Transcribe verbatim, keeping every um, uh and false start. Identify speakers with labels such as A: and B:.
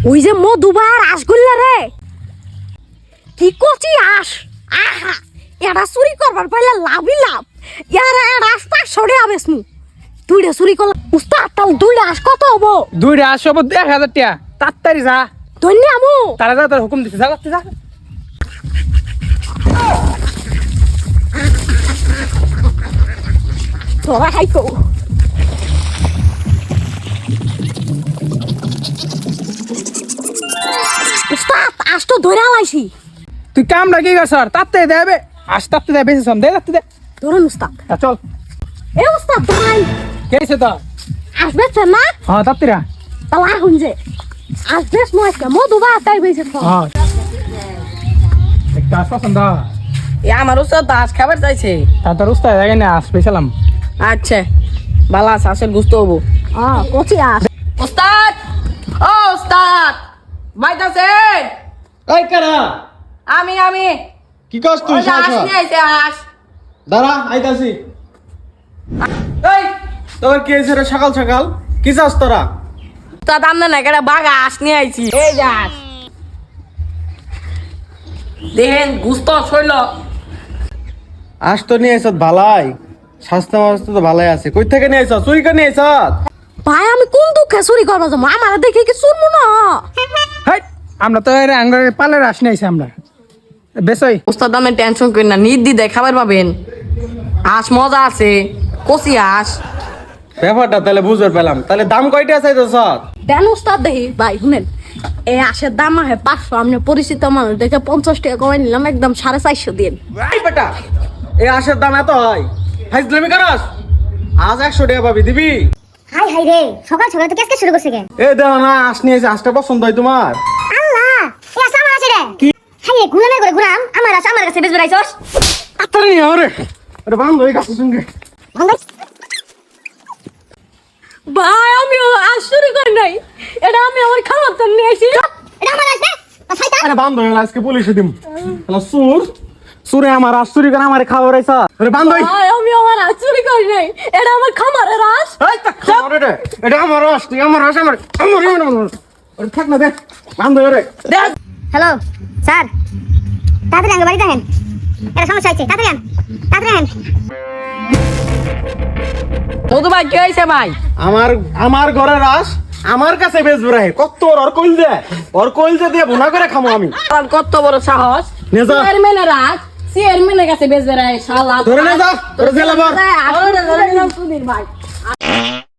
A: ওই যে মধুবা রাসগোল্লা রে কি কচি আস আহা এটা চুরি করবার পাইলে লাভই লাভ ইয়ারা রাস্তা সরে আবেস মু দুইটা চুরি করলা উস্তাদ তাল দুইটা আস কত হবো
B: দুইটা আস হবো এক হাজার টাকা তাড়াতাড়ি যা
A: ধন্য আমু
B: তারা যা তোর হুকুম দিতে যা করতে যা
A: তোরা খাইকো উস্তাদ আস তো ধরে আলাইছি
B: তুই কামটা কি করছ তাড়াতাড়ি দেবে আস তাড়াতাড়ি দে বেশি সম দে তাড়াতাড়ি দে
A: ধরুন উস্তাদ
B: আ, চল
A: এ উস্তাদ ভাই
B: কেছে তো
A: আসবে না
B: হ্যাঁ তাড়াতাড়ি
A: তাহলে আহুন যে আসবে নয় মধুবা তাই বেঁচে
B: হ্যাঁ একটা আস পছন্দ
C: এ আমার উস্তাদ দাস খাবার চাইছে
B: তা তোর উস্তাদ জায়গায় না আস পেছিলাম
C: আচ্ছা ভালো আছে আসের গুস্ত হবো
A: হ্যাঁ কচি আস
C: উস্তাদ ও উস্তাদ বাইতাছেন
D: এই কারা
C: আমি আমি
D: কি কস তুই
C: ওই যে
D: শালা
C: আস নিয়ে আইছে আস
D: দাঁড়া আইতাছি
C: এই
D: তোর কি হয়েছে রে সকাল সকাল কি চাস তোরা
C: উস্তাদ আমনে না কেডা বাগা আস নিয়ে আইছি এই যে আস দেখেন গুস্ত শৈল
D: আজ তো নিয়ে আইসত ভালাই স্বাস্থ্য মাস্ত তো ভালাই আছে কই থেকে নিয়ে আইসত চুরি করে নিয়ে আইসত
A: ভাই আমি কোন দুঃখে চুরি করবো যাবো আমার দেখে কি চুরমু না
B: হাই আমরা তো এর আঙ্গারে পালের আস নিয়েছি আমরা বেসই
C: উস্তাদ আমি টেনশন করি না নির্দ্বিধায় খাবার পাবেন আস মজা আছে কচি আস
D: ব্যাপারটা তাহলে বুঝতে পেলাম তাহলে দাম কয়টা চাইতেছ
A: দেন উস্তাদ দেখি ভাই শুনেন এই আশের দাম আহে পাঁচশো আপনি পরিচিত মানুষ দেখে পঞ্চাশ টাকা কমাই নিলাম একদম সাড়ে চারশো দিন
D: এই বেটা এই আশের দাম এত হয় ফাইজলামি করস আজ একশো টাকা পাবি দিবি
E: হাই হাই রে সকাল সকাল তো কেসকে শুরু করছে কেন
D: এ দেখো না আস নিয়ে আইছে আজটা পছন্দ হয় তোমার
E: আল্লাহ এই আসা আমার আছে রে হাই রে গুলামে করে গুলাম আমার আছে আমার কাছে বেশ বেড়াইছস
D: তাড়াতাড়ি নিয়ে আরে আরে বান্ধ হয়ে গেছে সঙ্গে
E: ভাঙ্গাই
A: ভাই আমি আজ চুরি করি নাই এটা আমি আমার খাবার তো নিয়ে আসি
E: এটা আমার আছে না শয়তান
D: আরে বান্ধ হয়ে আজকে পুলিশে দিম হ্যালো সুর সুরে আমার আজ চুরি করে আমার খাওয়া রাইছা আরে বান্ধ হই
A: ভাই আমি আমার আজ চুরি করি নাই এটা আমার খামারের রাস
D: এই তা খাওয়া রে এটা আমার রস তুই আমার রস আমার আমার আমার আরে থাক না দে বান্ধ হয়ে রে
E: হ্যালো স্যার তাড়াতাড়ি আঙ্গ বাড়িতে আহেন এটা সমস্যা আছে তাড়াতাড়ি আন তাড়াতাড়ি আহেন
C: মধু ভাই কি হয়েছে ভাই
D: আমার আমার ঘরে রাস আমার কাছে বেচবে রে কত ওর ওর কইল দে ওর কইল দে দিয়ে ভুনা করে খামো আমি
C: আর কত বড় সাহস
D: নে যা।
C: চেয়ারম্যানের রাজ চেয়ারম্যানের কাছে বেচবে রে শালা
D: ধরে নে যা, ধরে জেলে ভর।
C: আসলে ধরে নিলাম সুধীর ভাই